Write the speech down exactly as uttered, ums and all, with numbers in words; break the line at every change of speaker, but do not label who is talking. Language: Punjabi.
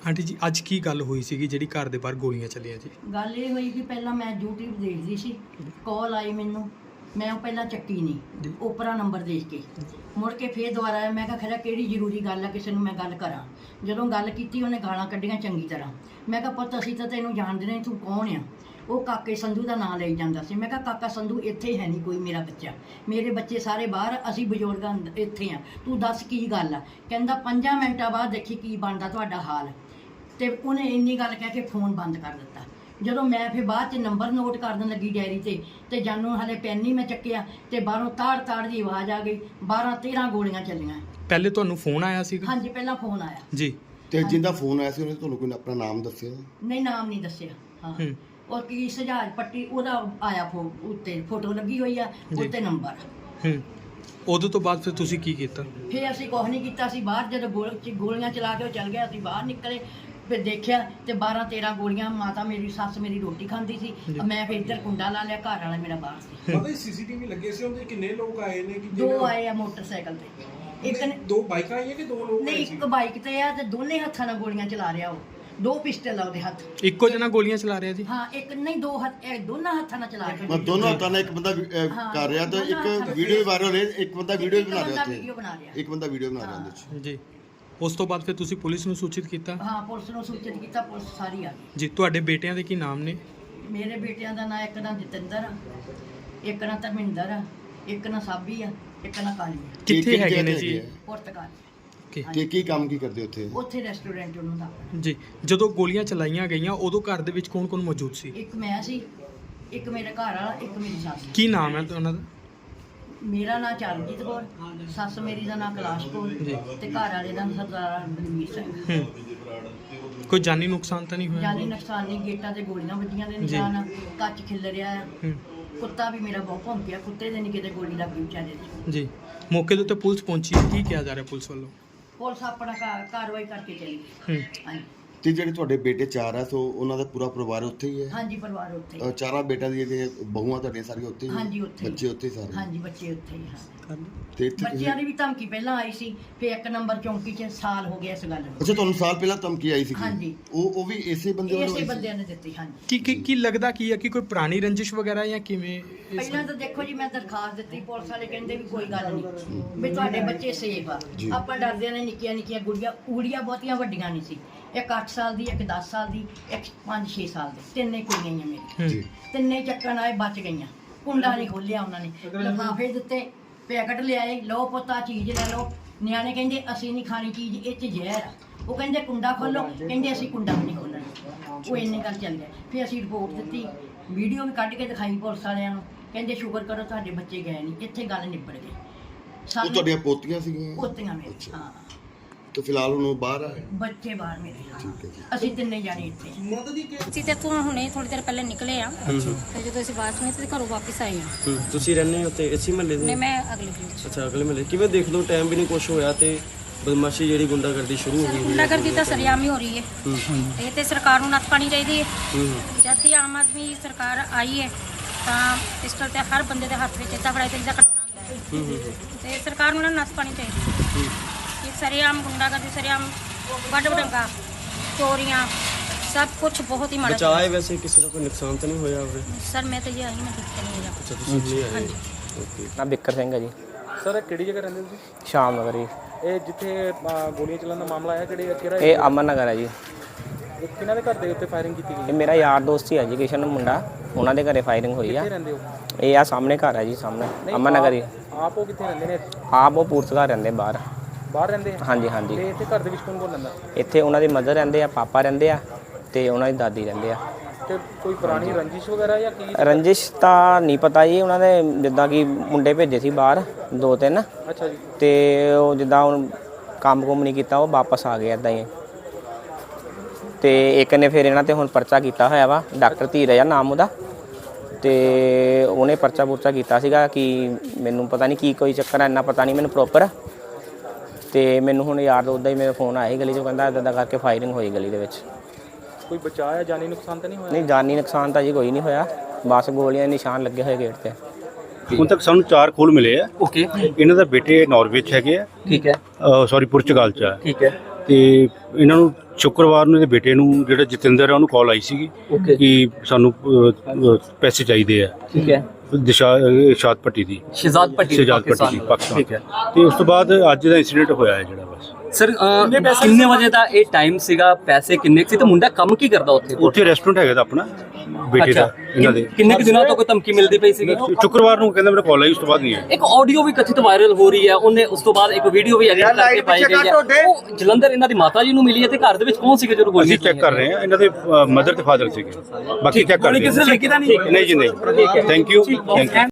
आंटी जी अज की गल हुई सी जिहड़ी घर दे बाहर गोलियां चलियां जी?
गल ये हुई कि पहला मैं यूट्यूब देखदी सी, कॉल आई मैनू, मैं ਉਹ ਪਹਿਲਾਂ ਚੱਕੀ ਨਹੀਂ, ਉਪਰਾ ਨੰਬਰ ਦੇਖ ਕੇ ਮੁੜ ਕੇ ਫੇਰ ਦੁਬਾਰਾ ਆਇਆ। ਮੈਂ ਕਿਹਾ ਖਰਾ ਕਿਹੜੀ ਜ਼ਰੂਰੀ ਗੱਲ ਆ, ਕਿਸੇ ਨੂੰ ਮੈਂ ਗੱਲ ਕਰਾਂ। ਜਦੋਂ ਗੱਲ ਕੀਤੀ ਉਹਨੇ ਗਾਲਾਂ ਕੱਢੀਆਂ ਚੰਗੀ ਤਰ੍ਹਾਂ। ਮੈਂ ਕਿਹਾ ਪੁੱਤ ਅਸੀਂ ਤਾਂ ਤੈਨੂੰ ਜਾਣਦੇ ਨਹੀਂ, ਤੂੰ ਕੌਣ ਆ? ਉਹ ਕਾਕੇ ਸੰਧੂ ਦਾ ਨਾਂ ਲਈ ਜਾਂਦਾ ਸੀ। ਮੈਂ ਕਿਹਾ ਕਾਕਾ ਸੰਧੂ ਇੱਥੇ ਹੈ ਨਹੀਂ ਕੋਈ ਮੇਰਾ ਬੱਚਾ, ਮੇਰੇ ਬੱਚੇ ਸਾਰੇ ਬਾਹਰ, ਅਸੀਂ ਬਜ਼ੁਰਗਾਂ ਇੱਥੇ ਆ, ਤੂੰ ਦੱਸ ਕੀ ਗੱਲ ਆ? ਕਹਿੰਦਾ ਪੰਜਾਂ ਮਿੰਟਾਂ ਬਾਅਦ ਦੇਖੀ ਕੀ ਬਣਦਾ ਤੁਹਾਡਾ ਹਾਲ। ਤੇ ਉਹਨੇ ਇੰਨੀ ਗੱਲ ਕਹਿ ਕੇ ਫੋਨ ਬੰਦ ਕਰ ਦਿੱਤਾ। ਜਦੋਂ ਮੈਂ ਫਿਰ ਬਾਅਦ ਚ ਨੰਬਰ ਨੋਟ ਕਰਨ ਲੱਗੀ ਡਾਇਰੀ ਤੇ ਤੇ ਜਾਨੂੰ ਹਲੇ ਪੈਨ ਨਹੀਂ ਮੈਂ ਚੱਕਿਆ ਤੇ ਬਾਹਰੋਂ ਤਾੜ ਤਾੜ ਦੀ ਆਵਾਜ਼ ਆ ਗਈ। ਬਾਰਾਂ ਤੇਰਾਂ ਗੋਲੀਆਂ ਚੱਲੀਆਂ।
ਪਹਿਲੇ ਤੁਹਾਨੂੰ ਫੋਨ ਆਇਆ ਸੀਗਾ?
ਹਾਂਜੀ ਪਹਿਲਾਂ ਫੋਨ ਆਇਆ
ਜੀ।
ਤੇ ਜਿੰਦਾ ਫੋਨ ਆਇਆ ਸੀ ਉਹਨੇ ਤੁਹਾਨੂੰ ਕੋਈ ਆਪਣਾ ਨਾਮ ਦੱਸਿਆ?
ਨਹੀਂ ਨਾਮ ਨਹੀਂ ਦੱਸਿਆ। ਹਾਂ ਔਰ ਕੀ ਸਜਾਜ ਪੱਟੀ ਉਹਦਾ ਆਇਆ ਫੋ ਉੱਤੇ ਫੋਟੋ ਲੱਗੀ ਹੋਈ ਆ, ਉੱਤੇ ਨੰਬਰ।
ਹੂੰ ਉਦੋਂ ਤੋਂ ਬਾਅਦ ਫਿਰ ਤੁਸੀਂ ਕੀ ਕੀਤਾ?
ਫਿਰ ਅਸੀਂ ਕੁਛ ਨਹੀਂ ਕੀਤਾ। ਅਸੀਂ ਬਾਹਰ ਜਦੋਂ ਗੋਲ ਗੋਲੀਆਂ ਚਲਾ ਕੇ ਉਹ ਚੱਲ ਗਿਆ, ਅਸੀਂ ਬਾਹਰ ਨਿਕਲੇ ਫਿਰ ਦੇਖਿਆ ਤੇ ਬਾਰਾਂ ਤੇਰਾਂ ਗੋਲੀਆਂ। ਮਾਤਾ ਮੇਰੀ ਸੱਸ ਮੇਰੀ ਰੋਟੀ ਖਾਂਦੀ ਸੀ, ਮੈਂ ਫਿਰ ਇੱਧਰ ਕੁੰਡਾ ਲਾ ਲਿਆ, ਘਰ ਵਾਲਾ ਮੇਰਾ ਬਾਹਰ ਸੀ।
ਪਤਾ ਹੀ ਸੀਸੀਟੀਵੀ ਲੱਗੇ ਸੀ ਉਹਦੇ, ਕਿੰਨੇ ਲੋਕ ਆਏ ਨੇ? ਕਿ
ਦੋ ਆਏ ਆ ਮੋਟਰਸਾਈਕਲ ਤੇ, ਇੱਕ ਨੇ
ਦੋ ਬਾਈਕਾਂ ਆਈਆਂ ਕਿ ਦੋ ਲੋਕ?
ਨਹੀਂ ਇੱਕ ਬਾਈਕ ਤੇ ਆ ਤੇ ਦੋਨੇ ਹੱਥਾਂ ਨਾਲ ਗੋਲੀਆਂ ਚਲਾ ਰਿਹਾ ਉਹ, ਦੋ ਪਿਸਟਲ ਆ ਉਹਦੇ ਹੱਥ।
ਇੱਕੋ ਜਣਾ ਗੋਲੀਆਂ ਚਲਾ ਰਿਹਾ ਜੀ?
ਹਾਂ ਇੱਕ ਨਹੀਂ ਦੋ ਹੱਥ, ਇਹ ਦੋਨਾਂ ਹੱਥਾਂ ਨਾਲ ਚਲਾ ਰਿਹਾ।
ਮੈਂ ਦੋਨੋਂ ਹੱਥਾਂ ਨਾਲ ਇੱਕ ਬੰਦਾ ਵੀ, ਅਹ, ਕਰ ਰਿਹਾ ਤਾਂ ਇੱਕ ਵੀਡੀਓ ਵੀ ਵਾਇਰਲ ਹੋਈ, ਇੱਕ ਬੰਦਾ ਵੀਡੀਓ ਵੀ ਬਣਾ ਰਿਹਾ
ਵੀਡੀਓ ਬਣਾ ਰਿਹਾ,
ਉੱਥੇ ਇੱਕ ਬੰਦਾ ਵੀਡੀਓ ਬਣਾ ਰਿਹਾ ਉਹਦੇ ਵਿੱਚ
ਜੀ। ਉਸ ਤੋਂ ਬਾਅਦ ਫਿਰ ਤੁਸੀਂ ਪੁਲਿਸ ਨੂੰ ਸੂਚਿਤ ਕੀਤਾ?
ਹਾਂ ਪੁਲਿਸ ਨੂੰ ਸੂਚਿਤ ਕੀਤਾ, ਪੁਲਿਸ ਸਾਰੀ ਆ ਗਈ।
ਜੀ। ਤੁਹਾਡੇ ਬੇਟਿਆਂ ਦੇ ਕੀ ਨਾਮ ਨੇ?
ਮੇਰੇ ਬੇਟਿਆਂ ਦਾ ਨਾਂ ਇੱਕ ਨਾਂ ਜਤਿੰਦਰ ਆ, ਇੱਕ ਨਾਂ ਧਰਮਿੰਦਰ ਆ, ਇੱਕ ਨਾਂ ਸਾਬੀ ਆ, ਇੱਕ ਨਾਂ ਕਾਲੀ ਆ।
ਕਿੱਥੇ ਹੈਗੇ ਨੇ ਜੀ?
ਪੁਰਤਗਾਲ।
Okay.
ਤੇ ਕੀ ਕੰਮ ਕੀ ਕਰਦੇ ਉੱਥੇ?
ਉੱਥੇ ਰੈਸਟੋਰੈਂਟ ਉਹਨਾਂ ਦਾ ਆਪਣਾ।
ਜੀ। ਜਦੋਂ ਗੋਲੀਆਂ ਚਲਾਈਆਂ ਗਈਆਂ ਉਦੋਂ ਘਰ ਦੇ ਵਿੱਚ ਕੌਣ ਕੌਣ ਮੌਜੂਦ ਸੀ?
ਇੱਕ ਮੈਂ ਸੀ, ਇੱਕ ਮੇਰੇ ਘਰ ਵਾਲਾ, ਇੱਕ ਮੇਰੀ ਸੱਸ।
ਕੀ ਨਾਮ ਹੈ ਉਹਨਾਂ ਦਾ?
ਮੇਰਾ ਨਾਂ ਚਰਨਜੀਤ ਕੌਰ, ਸੱਸ ਮੇਰੀ ਦਾ ਨਾਂ ਕੈਲਾਸ਼ ਕੌਰ ਤੇ ਘਰ ਵਾਲੇ ਦਾ ਨਾਂ ਸਰਦਾਰ ਬਲਵੀਰ ਸਿੰਘ।
ਹੂੰ ਕੋਈ ਜਾਨੀ ਨੁਕਸਾਨ ਤਾਂ ਨਹੀਂ ਹੋਇਆ?
ਜਾਨੀ ਨੁਕਸਾਨ ਨਹੀਂ, ਗੇਟਾਂ ਤੇ ਗੋਲੀਆਂ ਵੱਜੀਆਂ ਦੇ ਨਿਸ਼ਾਨ ਆ, ਕੱਚ ਖਿਲ ਰਿਹਾ ਆ।
ਹੂੰ
ਕੁੱਤਾ ਵੀ ਮੇਰਾ ਬਹੁਤ ਭੌਂਕਿਆ, ਕੁੱਤੇ ਦੇ ਨਹੀਂ ਕਿਤੇ ਗੋਲੀ ਲੱਗੀ ਵਿਚਾਰੇ ਦੀ।
ਜੀ। ਮੌਕੇ ਦੇ ਉੱਤੇ ਪੁਲਿਸ ਪਹੁੰਚੀ ਹੈ, ਕੀ ਕਿਹਾ ਜਾ ਰਿਹਾ ਪੁਲਿਸ ਵੱਲੋਂ?
ਪੁਲਿਸ ਆਪਣਾ ਕਾ- ਕਾਰਵਾਈ ਕਰਕੇ ਚਲੀ ਗਈ।
ਹੂੰ
ਹਾਂਜੀ
ਤੇ ਜਿਹੜੇ ਤੁਹਾਡੇ ਬੇਟੇ ਚਾਰ ਆ ਸੋ ਉਹਨਾਂ ਦਾ ਪੂਰਾ ਪਰਿਵਾਰ ਉੱਥੇ ਹੀ ਹੈ?
ਹਾਂਜੀ ਪਰਿਵਾਰ ਉੱਥੇ ਹੀ।
ਅਹ, ਚਾਰਾਂ ਬੇਟਿਆਂ ਦੀਆਂ ਜਿਹੜੀਆਂ ਬਹੂਆਂ ਤੁਹਾਡੀਆਂ ਸਾਰੀਆਂ ਉੱਥੇ ਹੀ?
ਹਾਂਜੀ ਉੱਥੇ ਹੀ।
ਬੱਚੇ ਉੱਥੇ ਹੀ ਸਾਰੇ?
ਹਾਂਜੀ ਬੱਚੇ ਉੱਥੇ ਹੀ। ਹਾਂ
ਤੇ ਇੱਥੇ
ਬੱਚਿਆਂ ਦੀ ਵੀ ਧਮਕੀ ਪਹਿਲਾਂ ਆਈ ਸੀ, ਫਿਰ ਇੱਕ ਨੰਬਰ ਚੌਂਕੀ 'ਚ ਸਾਲ ਹੋ ਗਿਆ ਇਸ ਗੱਲ ਨੂੰ।
ਅੱਛਾ ਤੁਹਾਨੂੰ ਸਾਲ ਪਹਿਲਾਂ ਧਮਕੀ ਆਈ ਸੀ?
ਹਾਂਜੀ।
ਉਹ ਉਹ ਵੀ ਇਸੇ ਬੰਦੇ ਵੱਲੋਂ
ਇਸੇ
ਆਈ ਸੀ?
ਬੰਦਿਆਂ ਨੇ ਦਿੱਤੀ। ਹਾਂਜੀ
ਕੀ ਕੀ ਕੀ ਲੱਗਦਾ ਕੀ ਹੈ ਕਿ ਕੋਈ ਪੁਰਾਣੀ ਰੰਜਿਸ਼ ਵਗੈਰਾ ਜਾਂ ਕਿਵੇਂ? ਇਸ-
ਪਹਿਲਾਂ ਤਾਂ ਦੇਖੋ ਜੀ ਮੈਂ ਦਰਖਾਸਤ ਦਿੱਤੀ, ਪੁਲਿਸ ਵਾਲੇ ਕਹਿੰਦੇ ਵੀ ਕੋਈ ਗੱਲ ਨਹੀਂ, ਵੀ ਤੁਹਾਡੇ ਬੱਚੇ ਸੇਫ ਆ। ਆਪਾਂ ਡਰਦੇ ਨੇ, ਨਿੱਕੀਆਂ ਨਿੱਕੀਆਂ ਗੁੜੀਆਂ ਊੜੀਆਂ ਬਹੁਤੀਆਂ ਵੱਡੀਆਂ ਨਹੀਂ ਸੀ, ਇੱਕ ਅੱਠ ਸਾਲ ਦੀ, ਇੱਕ ਦਸ ਸਾਲ ਦੀ, ਇੱਕ ਪੰਜ ਛੇ ਸਾਲ ਦੀ, ਤਿੰਨੇ ਕੁੜੀਆਂ ਹੀ ਆ ਮੇਰੀ।
ਜੀ।
ਤਿੰਨੇ ਚੱਕਣ ਆਏ, ਬਚ ਗਈਆਂ। ਕੁੰਡਾ ਨਹੀਂ ਖੋਲਿਆ ਉਹਨਾਂ ਨੇ, ਲਿਫਾਫੇ ਦਿੱਤੇ, ਪੈਕਟ ਲਿਆਏ, ਲਓ ਪੁੱਤਾ ਚੀਜ਼ ਲੈ ਲਓ। ਨਿਆਣੇ ਕਹਿੰਦੇ ਅਸੀਂ ਨਹੀਂ ਖਾਣੀ ਚੀਜ਼, ਇਹ 'ਚ ਜ਼ਹਿਰ ਆ। ਉਹ ਕਹਿੰਦੇ ਕੁੰਡਾ ਖੋਲੋ, ਕਹਿੰਦੇ ਅਸੀਂ ਕੁੰਡਾ ਵੀ ਨਹੀਂ ਖੋਲਣਾ। ਉਹ ਇੰਨੀ ਗੱਲ ਚੱਲ ਗਿਆ। ਫਿਰ ਅਸੀਂ ਰਿਪੋਰਟ ਦਿੱਤੀ, ਵੀਡੀਓ ਵੀ ਕੱਢ ਕੇ ਦਿਖਾਈ ਪੁਲਿਸ ਵਾਲਿਆਂ ਨੂੰ, ਕਹਿੰਦੇ ਸ਼ੁਕਰ ਕਰੋ ਤੁਹਾਡੇ ਬੱਚੇ ਗਏ ਨਹੀਂ, ਇੱਥੇ ਗੱਲ ਨਿਬੜ ਗਈ।
ਉਹ ਤੁਹਾਡੀਆਂ ਪੋਤੀਆਂ ਸੀਗੀਆਂ?
ਪੋਤੀਆਂ ਮੇਰੇ। ਹਾਂ
ਤੇ ਫਿਲਹਾਲ ਹੁਣ ਉਹ ਬਾਹਰ ਆ?
ਬੱਚੇ ਬਾਹਰ ਮੇਰੇ। ਅਸੀਂ ਤਿੰਨੇ ਜਾਣੇ ਇੱਥੇ ਆ।
ਅਸੀਂ ਤੇ ਤੋਂ ਹੁਣੇ ਥੋੜੀ ਦੇਰ ਪਹਿਲੇ ਨਿਕਲੇ ਆ ਤੇ ਜਦੋਂ ਅਸੀਂ ਬਾਅਦ ਵਿੱਚ ਤੇ ਘਰੋਂ ਵਾਪਸ ਆਏ ਆ।
ਤੁਸੀਂ ਰਹਿੰਦੇ ਹੋ ਤੇ ਇਸੇ ਮਹੱਲੇ ਦੇ?
ਨਹੀਂ ਮੈਂ ਅਗਲੇ ਦਿਨ
ਅੱਛਾ ਅਗਲੇ ਮਹੱਲੇ। ਕਿਵੇਂ ਦੇਖ ਲਓ ਟਾਈਮ ਵੀ ਨਹੀਂ ਕੁਛ ਹੋਇਆ ਤੇ ਬਦਮਾਸ਼ੀ ਜਿਹੜੀ ਗੁੰਡਾਗਰਦੀ ਸ਼ੁਰੂ ਹੋ ਗਈ?
ਗੁੰਡਾਗਰਦੀ ਤਾਂ ਸਰਿਆਮ ਹੀ ਹੋ ਰਹੀ ਹੈ। ਇਹ ਤੇ ਸਰਕਾਰ ਨੂੰ ਨੱਥ ਪਾਣੀ ਚਾਹੀਦੀ ਹੈ।
ਹੂੰ
ਜਦ ਦੀ ਆਮ ਆਦਮੀ ਸਰਕਾਰ ਆਈ ਹੈ ਤਾਂ ਪਿਸਟਲ ਤੇ ਹਰ ਬੰਦੇ ਦੇ ਹੱਥ ਵਿੱਚ ਇੱਦਾਂ ਫੜਾਈ ਤੇ ਜਿੱਦਾਂ ਕਟਾਉਣਾ ਹੁੰਦਾ ਹੈ। ਤੇ ਸਰਕਾਰ ਨੂੰ ਨਾ ਨੱਥ ਪਾਣੀ ਚਾਹੀਦੀ ਹੈ। ਇਹ ਸਰਿਆਮ ਗੁੰਡਾਗਰਦੀ, ਸਰਿਆਮ ਵੱਡ ਵਡੰਗਾ, ਚੋਰੀਆਂ, ਸਭ ਕੁਝ ਬਹੁਤ ਹੀ ਮਾੜਾ।
ਬਚਾਏ ਵੈਸੇ ਕਿਸੇ ਦਾ ਕੋਈ ਨੁਕਸਾਨ ਤਾਂ ਨਹੀਂ ਹੋਇਆ ਹੋਵੇ?
ਸਰ ਮੈਂ ਤਾਂ ਜੀ ਆਹੀ ਮੈਂ ਦੇਖਿਆ ਨਹੀਂ ਹੈਗਾ।
ਅੱਛਾ ਤੁਸੀਂ ਨਹੀਂ ਆਏ? ਓਕੇ।
ਨਾ ਬਿੱਕਰ ਸਿੰਘ ਹੈ ਜੀ।
ਸਰ ਕਿਹੜੀ ਜਗ੍ਹਾ ਰਹਿੰਦੇ ਤੁਸੀਂ?
ਸ਼ਾਮ ਨਗਰ ਜੀ।
ਇਹ ਜਿੱਥੇ ਅਹ, ਗੋਲੀਆਂ ਚੱਲਣ ਦਾ ਮਾਮਲਾ ਆਇਆ, ਕਿਹੜੇ ਕਿਹੜਾ
ਇਹ ਅਮਨ ਨਗਰ ਹੈ ਜੀ।
ਇਹ ਕਿਹਨਾਂ ਦੇ ਘਰ ਦੇ ਉੱਤੇ ਫਾਇਰਿੰਗ ਕੀਤੀ ਗਈ?
ਇਹ ਮੇਰਾ ਯਾਰ ਦੋਸਤ ਹੀ ਐਜੂਕੇਸ਼ਨ ਮੁੰਡਾ, ਉਹਨਾਂ ਦੇ ਘਰੇ ਫਾਇਰਿੰਗ ਹੋਈ ਆ।
ਕਿੱਥੇ ਰਹਿੰਦੇ ਹੋ?
ਇਹ ਆ ਸਾਹਮਣੇ ਘਰ ਹੈ ਜੀ, ਸਾਹਮਣੇ ਅਮਨ ਨਗਰ ਹੀ।
ਆਪ ਉਹ ਕਿੱਥੇ ਰਹਿੰਦੇ ਨੇ?
ਆਪ ਉਹ ਪੁਰਤਗਾਲ ਰਹਿੰਦੇ ਬਾਹਰ।
ਬਾਹਰ ਰਹਿੰਦੇ ਆ?
ਹਾਂਜੀ ਹਾਂਜੀ।
ਤੇ ਇੱਥੇ ਘਰ ਦੇ ਵਿੱਚ ਕੌਣ ਕੌਣ ਰਹਿੰਦਾ?
ਇੱਥੇ ਉਹਨਾਂ ਦੇ ਮਦਰ ਰਹਿੰਦੇ ਆ, ਪਾਪਾ ਰਹਿੰਦੇ ਆ ਤੇ ਉਹਨਾਂ ਦੀ ਦਾਦੀ ਰਹਿੰਦੇ ਆ।
ਤੇ ਕੋਈ ਪੁਰਾਣੀ ਰੰਜਿਸ਼ ਵਗੈਰਾ ਜਾਂ ਕੀ?
ਰੰਜਿਸ਼ ਤਾਂ ਨਹੀਂ ਪਤਾ ਜੀ। ਉਹਨਾਂ ਦੇ ਜਿੱਦਾਂ ਕਿ ਮੁੰਡੇ ਭੇਜੇ ਸੀ ਬਾਹਰ ਦੋ ਤਿੰਨ,
ਅੱਛਾ ਜੀ।
ਤੇ ਉਹ ਜਿੱਦਾਂ ਹੁਣ ਕੰਮ ਕੁਮ ਨਹੀਂ ਕੀਤਾ, ਉਹ ਵਾਪਸ ਆ ਗਏ ਇੱਦਾਂ ਹੀ। ਤੇ ਇੱਕ ਨੇ ਫਿਰ ਇਹਨਾਂ ਤੇ ਹੁਣ ਪਰਚਾ ਕੀਤਾ ਹੋਇਆ ਵਾ, ਡਾਕਟਰ ਧੀਰਜ ਆ ਨਾਮ ਉਹਦਾ। ਤੇ ਉਹਨੇ ਪਰਚਾ ਪੁਰਚਾ ਕੀਤਾ ਸੀਗਾ ਕਿ ਮੈਨੂੰ ਪਤਾ ਨਹੀਂ ਕੀ ਕੋਈ ਚੱਕਰ ਹੈ, ਇੰਨਾ ਪਤਾ ਨਹੀਂ ਮੈਨੂੰ ਪ੍ਰੋਪਰ। ਤੇ ਮੈਨੂੰ ਹੁਣ ਯਾਰ ਉੱਦਾਂ ਹੀ ਮੇਰਾ ਫੋਨ ਆਇਆ ਗਲੀ 'ਚੋਂ, ਕਹਿੰਦਾ ਇੱਦਾਂ ਕਰਕੇ ਫਾਇਰਿੰਗ ਹੋਈ ਗਲੀ ਦੇ ਵਿੱਚ।
ਕੋਈ ਬਚਾਇਆ, ਜਾਨੀ ਨੁਕਸਾਨ ਤਾਂ ਨਹੀਂ ਹੋਇਆ?
ਨਹੀਂ ਜਾਨੀ ਨੁਕਸਾਨ ਤਾਂ ਜੀ ਕੋਈ ਨਹੀਂ ਹੋਇਆ, ਬਸ ਗੋਲੀਆਂ ਦੇ ਨਿਸ਼ਾਨ ਲੱਗੇ ਹੋਏ ਗੇਟ ਤੇ।
ਹੁਣ ਤੱਕ ਸਾਨੂੰ ਚਾਰ ਖੋਲ ਮਿਲੇ ਆ।
ਓਕੇ।
ਇਹਨਾਂ ਦਾ ਬੇਟੇ ਨਾਰਵੇ 'ਚ ਹੈਗੇ ਆ।
ਠੀਕ ਹੈ।
ਸੌਰੀ ਪੁਰਤਗਾਲ 'ਚ ਆ।
ਠੀਕ ਹੈ।
ਤੇ ਇਹਨਾਂ ਨੂੰ ਸ਼ੁੱਕਰਵਾਰ ਨੂੰ ਇਹਦੇ ਬੇਟੇ ਨੂੰ ਜਿਹੜਾ ਜਤਿੰਦਰ ਹੈ ਉਹਨੂੰ ਕਾਲ ਆਈ ਸੀਗੀ ਕਿ ਸਾਨੂੰ ਅ, ਅ, ਪੈਸੇ ਚਾਹੀਦੇ ਆ।
ਠੀਕ ਹੈ।
ਦਿਸ਼ਾ ਅ, ਸ਼ਾਦ ਪੱਟੀ ਦੀ
ਸ਼ਹਿਜ਼ਾਦ ਪੱਟੀ
ਸ਼ਹਿਜ਼ਾਦ ਪੱਟੀ ਦੀ ਪਾਕਿਸਤਾਨ।
ਠੀਕ ਹੈ।
ਤੇ ਉਸ ਤੋਂ ਬਾਅਦ ਅੱਜ ਦਾ ਇਨਸੀਡੈਂਟ ਹੋਇਆ ਹੈ ਜਿਹੜਾ ਬਸ।
ਸਰ ਕਿੰਨੇ ਵਜੇ ਦਾ ਇਹ ਟਾਈਮ ਸੀਗਾ, ਪੈਸੇ ਕਿੰਨੇ ਕੁ ਸੀ ਤੇ ਮੁੰਡਾ ਕੰਮ ਕੀ ਕਰਦਾ ਉੱਥੇ?
ਉੱਥੇ ਰੈਸਟੋਰੈਂਟ ਹੈਗਾ ਤਾਂ ਆਪਣਾ ਬੇਟੇ ਦਾ ਇਹਨਾਂ ਦੇ।
ਕਿੰਨੇ ਕੁ ਦਿਨਾਂ ਤੋਂ ਕੋਈ ਧਮਕੀ ਮਿਲਦੀ ਪਈ ਸੀਗੀ?
ਸ਼ੁੱਕਰਵਾਰ ਨੂੰ ਕਹਿੰਦਾ ਮੇਰਾ ਕਾਲ ਆਈ, ਉਸ ਤੋਂ ਬਾਅਦ ਨਹੀਂ ਆਇਆ।
ਇੱਕ ਆਡੀਓ ਵੀ ਕਥਿਤ ਵਾਇਰਲ ਹੋ ਰਹੀ ਹੈ, ਉਹਨੇ ਉਸ ਤੋਂ ਬਾਅਦ ਇੱਕ ਵੀਡੀਓ ਵੀ ਐਡਿਟ ਕਰਕੇ ਪਾਈ ਗਈ ਹੈ। ਉਹ ਜਲੰਧਰ ਇਹਨਾਂ ਦੀ ਮਾਤਾ ਜੀ ਨੂੰ ਮਿਲੀ ਹੈ ਤੇ ਘਰ ਦੇ ਵਿੱਚ ਕੌਣ ਸੀਗੇ ਜਦੋਂ ਗੋਲੀ
ਅਸੀਂ ਚੈੱਕ ਕਰ ਰਹੇ ਹਾਂ, ਇਹਨਾਂ ਦੇ ਮਦਰ ਤੇ ਫਾਦਰ ਸੀਗੇ, ਬਾਕੀ ਚੈੱਕ ਕਰ ਰਹੇ ਹਾਂ।
ਕਿਸੇ ਨੇ ਲਿਖੀ ਤਾਂ ਨਹੀਂ?
ਨਹੀਂ ਜੀ ਨਹੀਂ, ਥੈਂਕ ਯੂ ਥੈਂਕ ਯੂ।